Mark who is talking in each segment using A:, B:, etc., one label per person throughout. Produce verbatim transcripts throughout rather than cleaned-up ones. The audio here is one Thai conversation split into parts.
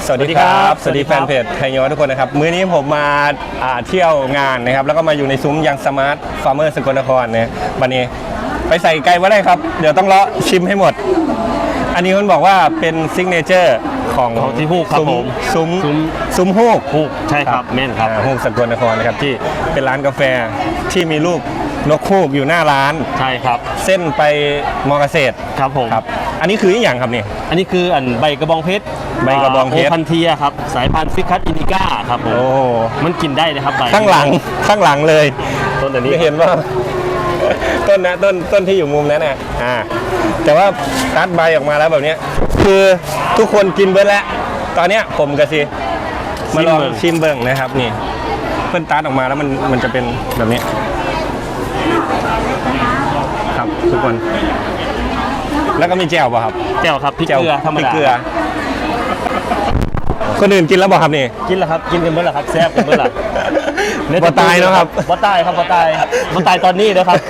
A: สวัสดีครับสวัสดีแฟนเพจไทยย้อนทุกคนนะครับมื้อนี้ผมมาเที่ยวงานนะครับแล้วก็มาอยู่ในซุ้มยังสมาร์ทฟาร์มเมอร์สกลนครเนี่ยวันนี้ไปใส่ไก่ว่าได้ครับเดี๋ยวต้องเลาะชิมให้หมดอันนี้มันบอกว่าเป็นซิกเนเจอร์ของ
B: ของที่ฮูกครับผม
A: ซุ้ม
B: ซุ้ม
A: ซุ้มฮูก
B: ฮูกใช่ครับแม่นครับ
A: ฮูกสกลนครนะครับที่เป็นร้านกาแฟที่มีรูปนกฮูกอยู่หน้าร้าน
B: ใช่ครับ
A: เส้นไปมอเกษตร
B: ครับผม
A: ครับอันนี้คืออย่างครับนี่
B: อันนี้คืออันใบกระบองเพชร
A: ใบกระบองเพชร
B: โอพันเทียครับสายพันธุ์ฟิคัสอินดิก้าครับผม
A: โอ้
B: มันกินได้เลยครับใบ
A: ข้างหลังข้างหลังเลย
B: ต้นอันนี้
A: จะเห็นว่าต้นนะต้นต้นที่อยู่มุมนั้นน่ะอ่าแต่ว่าตัดใบออกมาแล้วแบบนี้คือทุกคนกินเบิร์ดแล้วตอนเนี้ยผมกับซีมาลองชิมเบิ้งนะครับนี่เพิ่นตัดออกมาแล้วมันมันจะเป็นแบบนี้ครับทุกคนแล้วก็มีแจ่วป่ะครับ
B: แจ่วครับพริกเกลือธรรม
A: พริก
B: ดา
A: เกลือคนอื่นกินแล้วบอกครับนี่
B: กินแล้วครับกินกันเมื่อไหร่ครับแซ่บกันเมื่อไหร่
A: บ่ตายเนาะครับ
B: บ่ตายครับบ่ตายบ่ตายตอนนี้นะครับ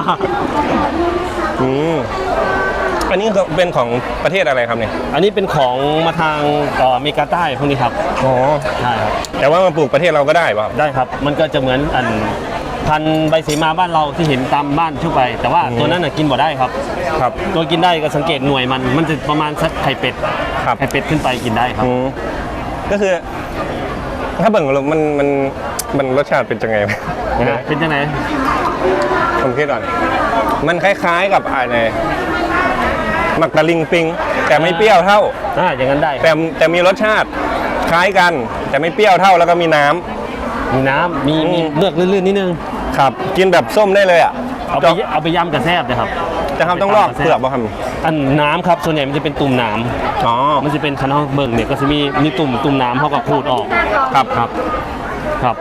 A: อืมอันนี้เป็นของประเทศอะไรครับเนี่ย
B: อันนี้เป็นของมาทางอเมริกาใต้พวกนี้ครับ
A: อ๋อ
B: ใช่ครับ
A: แต่ว่ามาปลูกประเทศเราก็ได้ป่ะครับ
B: ได้ครับมันก็จะเหมือนอันพันใบเสมาบ้านเราที่เห็นตามบ้านทั่วไปแต่ว่าตัวนั้นน่ะกินบ่ได้ครับ
A: ครับ
B: ตัวกินได้ก็สังเกตหน่วยมันมันจะประมาณสักไข่เป็ด
A: ครับ
B: ไข่เป็ดขึ้นไปกินได้ครับ
A: ก็คือถ้าเบิ่งมันมันมันรสชาติเป็นยังไง
B: เป็นยังไง
A: ผมคิดก่อนมันคล้ายๆกับอะไรหมักตะลิงปิงแต่ไม่เปรี้ยวเท่า
B: อ่าอย่างนั้นได้
A: แต่แต่มีรสชาติคล้ายกันแต่ไม่เปรี้ยวเท่าแล้วก็มีน้ำ
B: มีน้ำมีมีเลือกลื่นๆนิดนึง
A: ครับกินแบบส้มได้เลยอ่ะ
B: เอาไปเอาไปย่ำกระแซบนะครับ
A: จะทำต้องลอกเปลือกป่ะครับ
B: อันน้ำครับส่วนใหญ่มันจะเป็นตุ่มน้ำ
A: อ๋อ
B: มันจะเป็นคันห้องเบิ่งเนี่ยก็จะมีมีตุ่มตุ่มน้ำเขาก็ขูดออก
A: ครับครับ
B: ครับ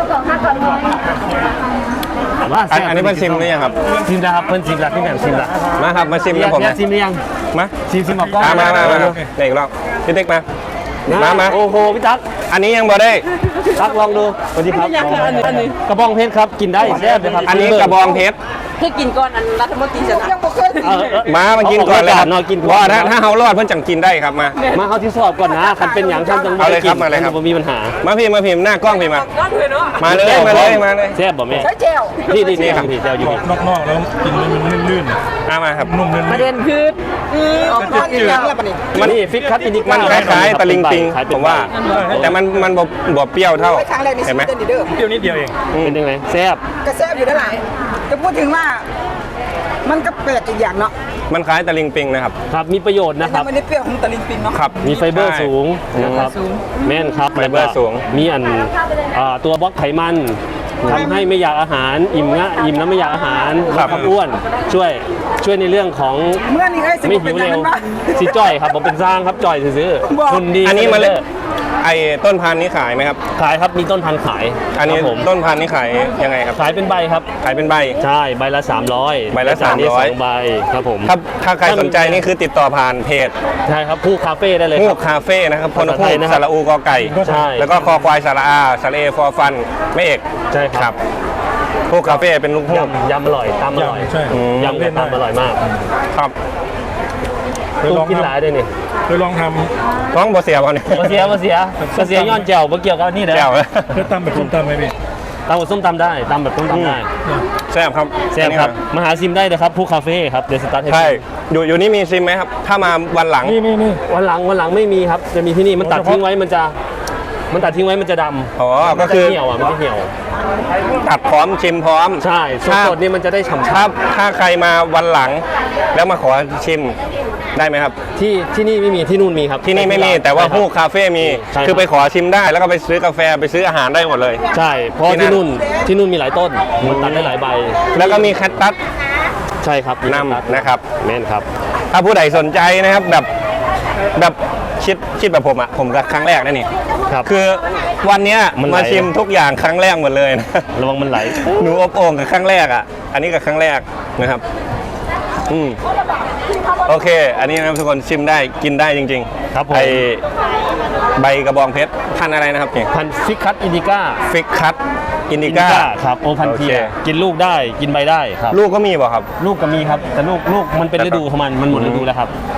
A: ว่าอันนี้เพิ่นชิมหรือยังครับ
B: ชิมแล้วครับเพิ่นชิมแล้วพี่แหม่มชิมแล้ว
A: มาครับมาชิมกับผม
B: นะชิมหรือยัง
A: มา
B: ชิมชิมออกกล้อง
A: มามามาเด็กลองพี่เด็กมามามา
B: โอ้โหพี่ตั๊ก
A: อันนี้ยังบ่ได้
B: ตั๊กลองดูสวัสดีครับกระบองเพชรครับกินได้แซ่บเลยครับ
A: อันนี้กระบองเพชร
C: เพื่อกินก่อนอันรัฐมนตรีชนะ
A: มามากินก่อนเลยครับว่าถ้าถ้าเขารอดเพื่อนจังกินได้ครับมา
B: มาเขาที่สอบก่อนนะคันเป็นอย่างท่านต้อง
A: เอาเลยครับมาเลยครับ
B: มีปัญหา
A: มาพี่มาพิมพ์หน้ากล้องพี่มามาเลยมาเลยมาเลย
B: แซ่บบ่แม่
C: ใช่เจล
B: นี่นี่นี่ครับนี่เจลอยู่
D: นอกๆแล้วกินมันลื่น
A: ๆอ่ะมาครับ
D: นุ่มลื่น
C: ประเด็นคือออกก้อนอีกอย่างละปะนี่
B: มันนี่ฟิกคัตอินดิก้า
A: มันคล้ายๆตะลิงปิงผมว่าแต่มันมันบ่เปรี้ยวเท่าเห็นไหม
D: เปรี้ยวนิดเดียวเอง
B: เป็นยังไงแซ่บ
C: ก็แซ่บอยู่ด้านหลังจะพูดถึงว่ามันก็แปลกอีกอย่างเนาะ
A: มันคล้ายตะลิงปิงนะครับ
B: ครับมีประโยชน์นะครับ
C: มันไม่ได้เปรี้ยวของตะลิงปิงเนาะ
A: ครับ
B: มีไฟเบอร์สูงนะครับแม่นครับ
A: ไฟเบอร์สูง
B: มีอันตัวบล็อกไขมันทำให้ไม่อยากอาหารอิ่มง่ะอิ่มแล้วไม่อยากอาหารลดความอ้วนช่วยช่วยในเรื่องของไม่หิวเร็วสิจ่อยครับผมเป็นสร้างครับจ่อยซื้อคุณดี
A: อันนี้มาเลยไอ้ต้นพันธุ์นี้ขายไหมครับ
B: ขายครับมีต้นพันธุ์ขาย
A: อันนี้ต้นพันธุ์นี้ขายยังไงครับ
B: ขายเป็นใบครับ
A: ขายเป็นใบ
B: ใช่ใบละสามร้อย
A: ใบละสามร้อย
B: ใบครับผม
A: ถ้าถ้าใครสนใจนี่คือติดต่อผ่านเพจ
B: ใช่ครับผู้คาเฟ่ได้เลย
A: ผู้คาเฟ่นะครับพลพูสระอูกอไก่
B: ใช่
A: แล้วก็คอควายสระอาสระเอฟอฟันไม่เอก
B: ใช่ครับ
A: ผู้คาเฟ่เป็นลูกพู
B: ยำอร่อยตำอร่อยยำเป็นตำอร่อยมาก
A: ครับ
B: ตุ้มกินหลายด้วยนี่
D: เคยลองท
A: ำท้องบ่เสียบ่เนี่ย
B: บ่เสียบ่เสียบ่เสียย้อนแจ่วบ่เกี่ยวกับนี่เด้อ
A: แจ่ว
D: เคยตำแบบส้มตำไหมพี่
B: ตำแบบส้มตำได้ตำแบบส้มตำได้
A: แซ่บครับ
B: แซ่บครับมาหาซิมได้นะครับผู้คาเฟ่ครับเดอะสตาร์ท
A: ใช่อยู่อยู่นี่มีซิมไหมครับถ้ามาวันหลัง
D: นี่นี่
B: วันหลังวันหลังไม่มีครับจะมีที่นี่มันตัดทิ้งไว้มันจะมันตัดทิ้งไว้มันจะดำ
A: อ๋อก็คือ
B: เหี่ยวอ่ะมันจะเหี่ยว
A: ตัดพร้อมชิมพร้อม
B: ใช่สดๆนี่มันจะได้ฉ่ำ
A: ถ้าถ้าใครมาวันหลังแล้วมาขอชิมได้ไหมครับ
B: ที่ที่นี่ไม่มีที่นู่นมีครับ
A: ที่นี่ไม่มีแต่ว่าผู้คาเฟ่มีคือไปขอชิมได้แล้วก็ไปซื้อกาแฟไปซื้ออาหารได้หมดเลย
B: ใช่เพราะที่นู่นที่นู่นมีหลายต้นมันตัดได้หลายใบ
A: แล้วก็มีแคทตัส
B: ใช่ครับ
A: นำนะครับ
B: แม่นครับ
A: ถ้าผู้ใดสนใจนะครับแบบแบบคิดคิดแบบผมอ่ะผมก็ครั้งแรกนะนี่คือวันนี้มาชิมทุกอย่างครั้งแรกหมดเลยนะ
B: ระวังมันไหล
A: หนูอบโอ่งกับครั้งแรกอ่ะอันนี้กับครั้งแรกนะครับอืมโอเคอันนี้นะทุกคนชิมได้กินได้จริง
B: ๆครับผม
A: ไอใบกระบองเพชรพันอะไรนะครับเนี่ย
B: พันฟิกคัตอินดิก้า
A: ฟิกคัตอินดิก้า
B: ครับโอพันเทียกินลูกได้กินใบได้ครับ
A: ลูกก็มีป่ะครับ
B: ลูกก็มีครับแต่ลูกลูกมันเป็นฤดูของมันมันหมดฤดูแล้วครับ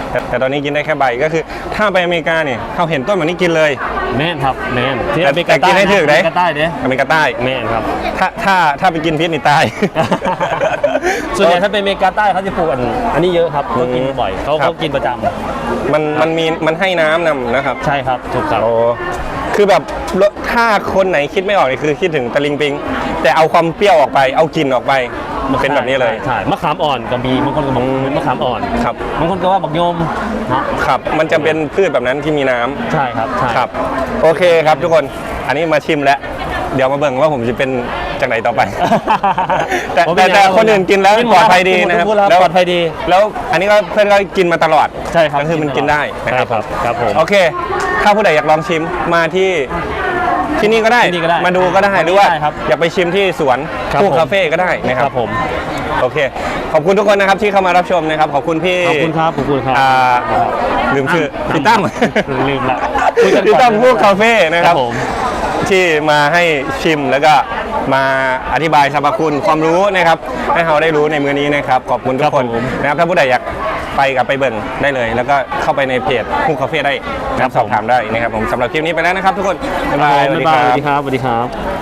A: แต่แต่ตอนนี้กินได้แค่ใบก็คือถ้าไปอเมริกาเนี่ยเขาเห็นต้นแบบนี้กินเลย
B: แม่นครับแม่นที่
A: แต่
B: อเมริ
A: แต่
B: กา
A: กิน
B: ใต้
A: ให้ถึกเด้
B: อเมริกาใต้เด้
A: อเมริกาใต้
B: แม่นครับ
A: ถ้าถ้าถ้าไปกินพิษนี่ตาย
B: ส่วนใหญ่ถ้าเป็นอเมริกาใต้เขาจะปลูกอันอันนี้เยอะครับเขากินบ่อยเขา
A: ครับ
B: เขากินประจำ
A: มันมันมีมันให้น้ำนำนะครับ
B: ใช่ครับถูกครับ
A: โอ้คือแบบถ้าคนไหนคิดไม่ออกนี่คือคิดถึงตะลิงปิง แต่เอาความเปรี้ยวออกไปเอากลิ่นออกไปมันเป็นแบบนี้เลย
B: ใช่มะขามอ่อนก็มีบางคนก็บอกเป็นมะขามอ่อน
A: ครับ
B: บางคนก็ว่าบักโยมเนาะ
A: ครับ มันจะเป็นพืชแบบนั้นที่มีน้ำ
B: ใช่ครับใช่
A: ครับ โอเคครับทุกคน อันนี้มาชิมแล้ว เดี๋ยวมาเบิ่งว่าผมจะเป็นจากไหนต่อไป แต่
B: ผม
A: แต่
B: เป็น
A: แต่
B: ยังไง
A: คนอื่นกินแล้ว
B: กินหม
A: ป
B: ด
A: ลอดภัย
B: แล้ว
A: ดี
B: กินหมด
A: นะครับ
B: ทุกคนแล้วปลอดภัยดี
A: แล้วอันนี้ก็เพื่อนก็กินมาตลอด
B: ใช่ครับ
A: ก็คือมันกินได้นะ
B: ใช่
A: ครับ
B: ครับครับผม
A: โอเค ถ้าผู้ใดอยากลองชิมมาที่ที่นี่ก็ได้
B: ที่นี่ก็ได้
A: มาดูก็ได้หรือว่า
B: ได้ครับ
A: อยากไปชิมที่สวน
B: ครับ
A: คู่
B: ผม
A: คาเฟ่ก็ได้นะค
B: ค
A: รั
B: รับ บผม
A: โอเค ขอบคุณทุกคนนะครับที่เข้ามารับชมนะครับ ขอบคุณพี่
B: ขอบคุณครับขอบคุณครับ
A: อ่าลืมชื่อพี่ตั้ม
B: ลืมละคุยกันก่อน
A: พี่ตั้มคู่คาเฟ่นะค
B: ค
A: รั
B: รับ บผม
A: ที่มาให้ชิมแล้วก็มาอธิบายสรรพคุณความรู้นะครับ ให้เราได้รู้ในมื้อนี้นะครับ ขอบคุณทุกคน
B: ครับผม
A: นะครับถ้าผู้ใดอยากไปกับไปเบิ่งได้เลย แล้วก็เข้าไปในเพจคู่คาเฟ่ได้นะครับสอบถามได้นะครับผมสำหรับคลิปนี้ไปแล้วนะครับ ทุกคนบ๊ายบาย
B: บ๊ายบายสวัสดีครับสวัสดีครับ